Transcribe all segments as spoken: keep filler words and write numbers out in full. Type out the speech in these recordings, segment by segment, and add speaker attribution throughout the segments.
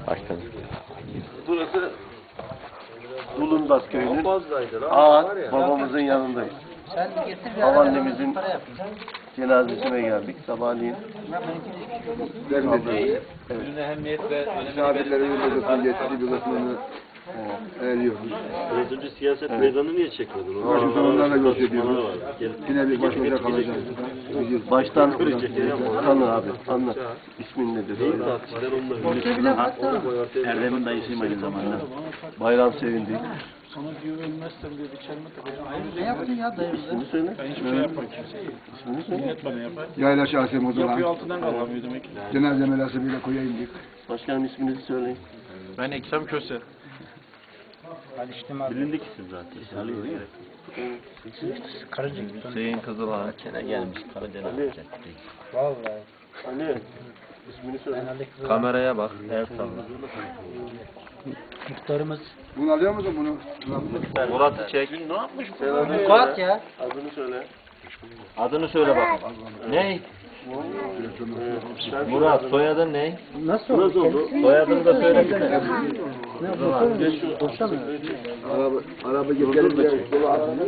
Speaker 1: Baştan.
Speaker 2: Burası Bulundas köyünün Ağa babamızın yanındayız. Babaannemizin cenazesine geldik sabahleyin.
Speaker 3: Vermedi.
Speaker 2: Evet.
Speaker 4: Ehemmiyet ve
Speaker 3: Misafirlerin bir kısmını getirdi, bir kısmını eriyoruz.
Speaker 5: Az önce siyaset meydanı niye çekmedin?
Speaker 3: Washington onlarla gösteriyoruz.
Speaker 5: var. Gelip
Speaker 3: Yine bir baş başa kalacağız.
Speaker 2: Baştan tanı abi, anlat. İsmin nedir?
Speaker 5: tartışlar onunla.
Speaker 4: Erdem'in dayısıyım aynı zamanda.
Speaker 2: Bayram sevindi.
Speaker 4: Sana güvenmezsem diye bir çelme takacağım.
Speaker 6: Ne yaptın ya dayımızı?
Speaker 2: İsmini söyle.
Speaker 4: Ben hiçbir şey yapmam kimseye.
Speaker 2: İsmini söyle.
Speaker 4: Millet bana yapar.
Speaker 3: Yayla şahsi mozalan.
Speaker 4: Yapıyor altından kalkamıyor demek ki.
Speaker 3: Cenaze merasimiyle koya indik.
Speaker 2: Başkanım isminizi söyleyin.
Speaker 4: Ben Ekrem Köse.
Speaker 5: Bilindik isim zaten. Ali değil mi?
Speaker 4: Hüseyin Kızılağ.
Speaker 1: Çene gelmiş Karadeniz.
Speaker 6: Vallahi.
Speaker 2: Ali. İsmini söyle.
Speaker 4: Kameraya bak. El salla.
Speaker 6: Muhtarımız.
Speaker 3: Bunu alıyor musun bunu?
Speaker 4: Murat'ı çek.
Speaker 2: Ne yapmış bu? Sen adını
Speaker 6: Murat
Speaker 2: söyle.
Speaker 6: ya.
Speaker 2: Adını söyle.
Speaker 4: Adını söyle bakalım. Ne?
Speaker 2: Sen
Speaker 4: Murat. Soyadın ne?
Speaker 6: Nasıl oldu?
Speaker 2: Nasıl oldu?
Speaker 4: Soyadını da söylesene.
Speaker 6: Ne oldu?
Speaker 2: Geç şu.
Speaker 6: Boşamıyor.
Speaker 3: Araba, araba getirip de sola atın.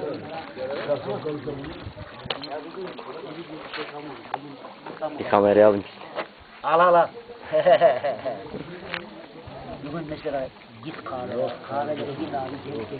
Speaker 1: Bir kamerayı alın.
Speaker 6: Al al al. Bugün mesela git kahve, kahvede git abi.